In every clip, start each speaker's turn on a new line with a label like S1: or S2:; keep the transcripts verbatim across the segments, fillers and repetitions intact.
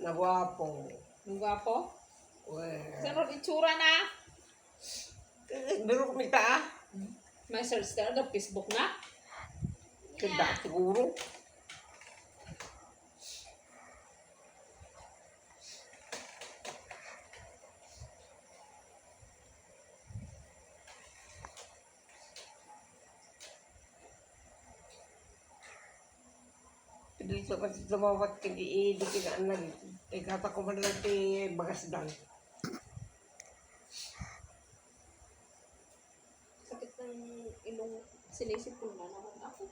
S1: Na gwapo.
S2: Ang gwapo?
S1: Well,
S2: Saan ron itsura na?
S1: eh, biro ko mita ah.
S2: May search ka na Facebook na?
S1: Kanda siguro. Dito kasi tumawat kagi di kinaan eh kata ko man lang ti bagasdan.
S2: Sakit ng ilong sinisip ko na naman ako.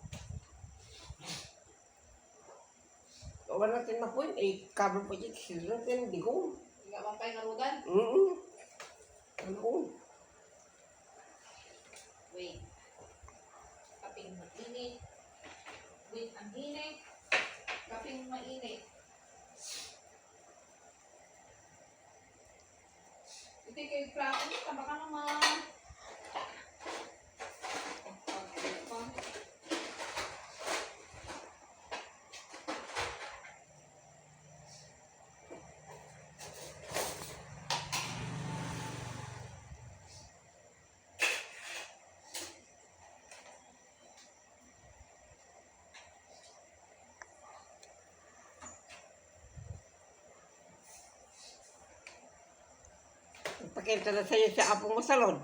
S1: Wala natin mapuin eh kabel po dyan sila natin di ko.
S2: Hindi ka bang narugan?
S1: Mm. Ano ko?
S2: Wait. Kaping mainit. Wait, ang init. Kaping mainit. Ito kay Kraken, tama ka naman.
S1: Pakita na sa'yo sa apo mo salon.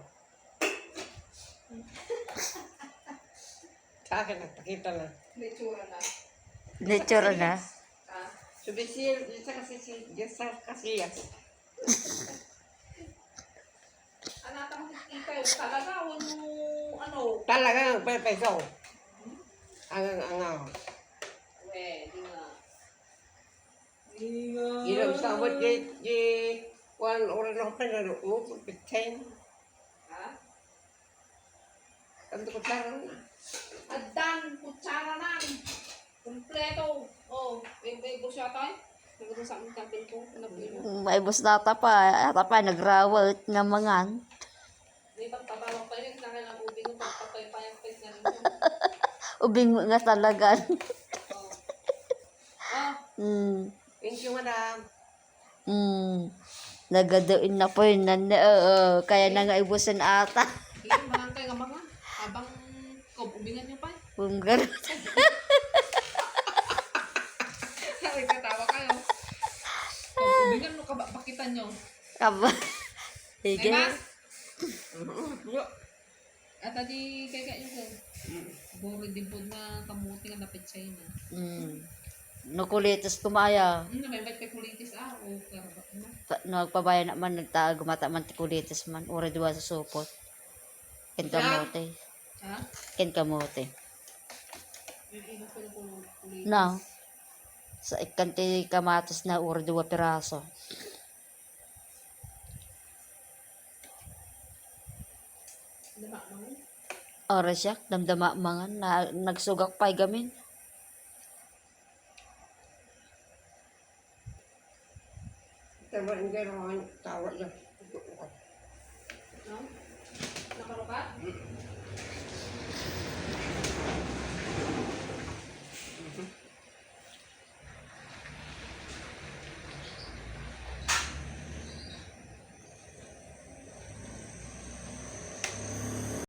S1: Sa akin nagpakita na.
S2: Lechura na.
S3: Nature na.
S2: Ah,
S1: Subisil, isa kasi si Jessa Casillas.
S2: anata mo kita yung talaga, huwag mo, ano,
S1: Talaga ang pepeso. Ang ang ang.
S2: we, di nga.
S1: Ilaw sa abot di di one or no pa na uot pitain.
S2: Ha?
S1: Ang ko tarang na.
S2: Adan, kutsara na. Kompleto. Oh, bebe siya tayo. Nagano sa aming kapil ko. Nabilo.
S3: May bus data pa. Ata pa, nagrawat nga mangan.
S2: May pagpabawang pa rin. Saka lang ubing yung pagpapaypayang pes na rin mo.
S3: Ubing mo nga talaga.
S2: Oh. Ah,
S3: Hmm.
S1: Thank you, madam.
S3: Hmm. Nagadoin na po yun. Nan, oo, kaya na nga ibusan ata.
S2: hindi, manang kayo nga mga. Habang kob, ubingan niyo pa.
S3: Kung gano'n.
S2: Sabi katawa kayo. Kob, ubingan mo, kaba- bakitan niyo.
S3: Aba.
S2: May
S3: Sige.
S2: mas?
S1: Mm-hmm.
S2: At adi kaya kayo ko. Buro din po na kamuti nga napit siya yun.
S3: Hmm. Nakulitas kumaya.
S2: Hmm, may ba't kay kulitis ah. O, karaba. Ano?
S3: Pa- Nagpabaya naman, nagtaag mata man tikulitas man. Ura diwa sa supot. Ken kamote.
S2: Ha?
S3: Ken kamote.
S2: Yung iba ko na kulitis.
S3: Na. Sa ikanti kamatos na ura diwa piraso.
S2: Dama mo?
S3: Ora siya, damdama mangan na nagsugak pay gamin.
S1: Tama hindi naman tawa niya.
S2: No? Nakarukat?